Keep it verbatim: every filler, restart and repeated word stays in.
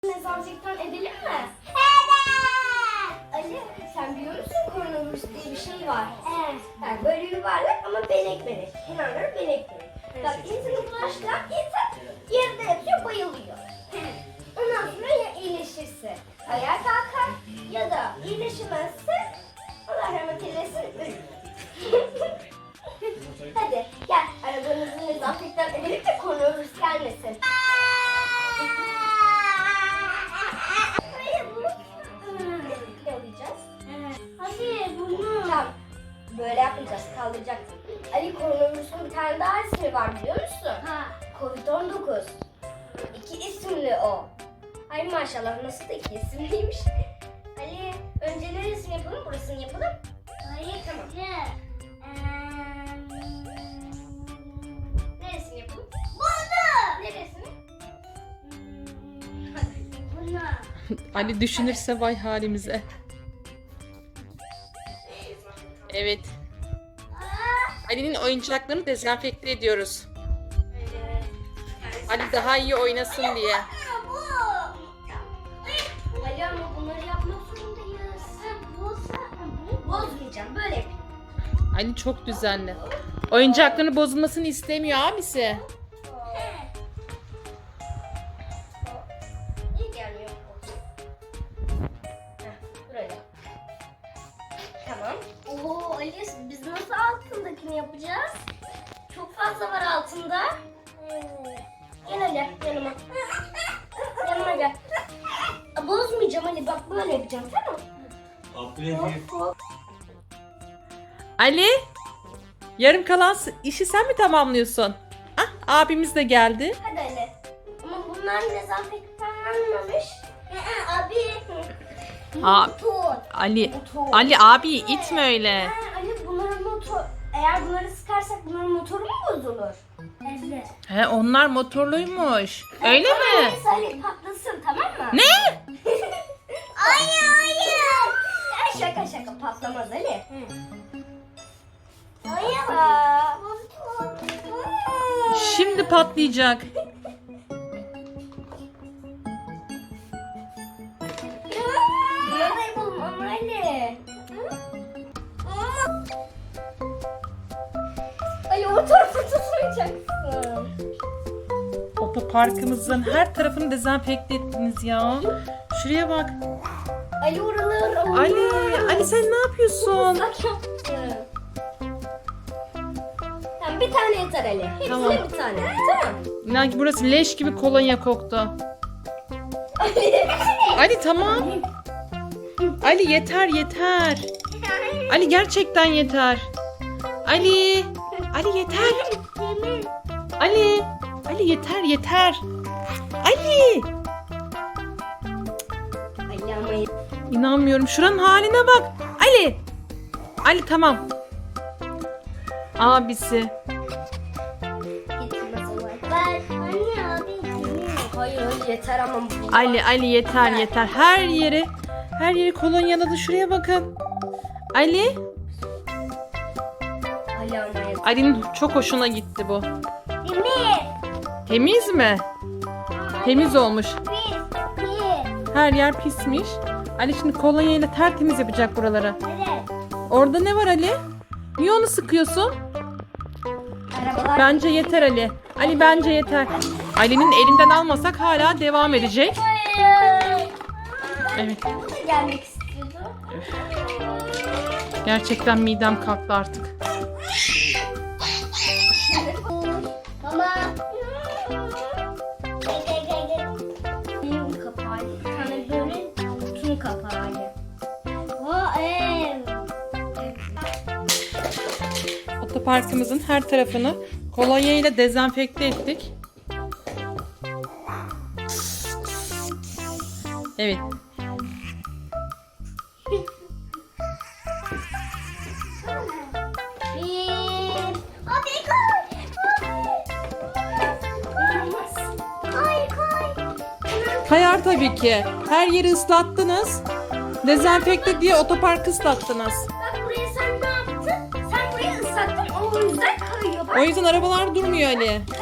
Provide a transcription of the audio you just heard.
Dezenfektan edelim mi? Evet. Ali sen biliyor musun koronavirüs diye bir şey var? Evet. Yani böyle yuvarlak ama benek benek. Kenarları benek benek. Bak insanı bulaştıran insan yerde yatıyor bayılıyor. Ondan sonra ya iyileşirse ayağa kalkar ya da iyileşemezse Allah rahmet eylesin ölür. Hadi gel arabanızı dezenfektan edelim de koronavirüs gelmesin. Hadi bunu. Tamam. Böyle yapmayacağız. Kaldıracaksın. Ali koronavirüsün bir tane daha ismi var biliyor musun? Ha. kovid on dokuz. İki isimli o. Ay maşallah nasıl da iki isimliymiş. Ali önce neresini yapalım? Burasını yapalım. Hayır tamam. Ee, neresini yapalım? Bunu. Neresini? Bunu. Ali düşünürse vay halimize. Evet. Ali'nin oyuncaklarını dezenfekte ediyoruz. Evet. Ali daha iyi oynasın diye. Ali ama bunları yapmak zorundayız. Bozmayacağım. Böyle yapayım. Ali çok düzenli. Oyuncaklarının bozulmasını istemiyor abisi. İyi gelmiyor. Buraya. Tamam. Oo Ali biz nasıl altındakini yapacağız? Çok fazla var altında. Gel Ali yanıma. Yanıma gel. Bozmayacağım Ali bak böyle yapacağım tamam mı? Ali, yarım kalan işi sen mi tamamlıyorsun? Ah, abimiz de geldi. Hadi Ali. Ama bunlar dezenfektanlanmamış. Ee, abi. Aa, Motor. Ali, Motor. Ali abi itme öyle. Ha, Ali bunların motor. Eğer bunları sıkarsak bunların motoru mu bozulur? Evet. He, onlar motorluymuş. Öyle mi? Neyse Ali patlasın tamam mı? Ne? Hayır hayır. Ya şaka şaka patlamaz Ali. Hayır. Şimdi patlayacak. Bunları da yapalım ama Ali. Ali o tarafa tutmayacaksın. Otoparkımızın her tarafını dezenfekte ettiniz ya. Şuraya bak. Ali oraları. Ali, Ali sen ne yapıyorsun? Bak yaptım. Tamam bir tane yeter Ali. Hepsine Tamam. bir tane. Tamam. İnan ki burası leş gibi kolonya koktu. Ali tamam. Ali yeter yeter. Ali gerçekten yeter. Ali. Ali yeter. Ali. Ali yeter yeter. Ali. Ali ama İnanmıyorum. Şuranın haline bak. Ali. Ali tamam. Abisi. Ben anne abi. Hayır hayır yeter ama bu. Ali Ali yeter yeter. Her yeri her yeri kolonyaladı. Şuraya bakın. Ali. Ali ama yeter. Ali'nin çok hoşuna gitti bu. Demir. Temiz mi? Temiz olmuş. Pis. Pis. Her yer pismiş. Ali şimdi kolonyayla tertemiz yapacak buraları. Evet. Orada ne var Ali? Niye onu sıkıyorsun? Arabalar. Bence yeter Ali. Ali bence yeter. Ali'nin elinden almasak hala devam edecek. Hayır. Evet. Bu da gelmek istiyordu. Gerçekten midem kalktı artık. Mama. Gel gel gel gel. Benim kapağı. Bir tane böyle kutunun kapağı. O ev. Otoparkımızın her tarafını kolonya ile dezenfekte ettik. Evet. Bir. Abi koy. Koy koy. Kayar tabii ki. Her yeri ıslattınız. Dezenfekte diye otoparkı ıslattınız. Bak buraya sen ne yaptın? Sen burayı ıslattın o yüzden kayıyor. Bak. O yüzden arabalar durmuyor Ali.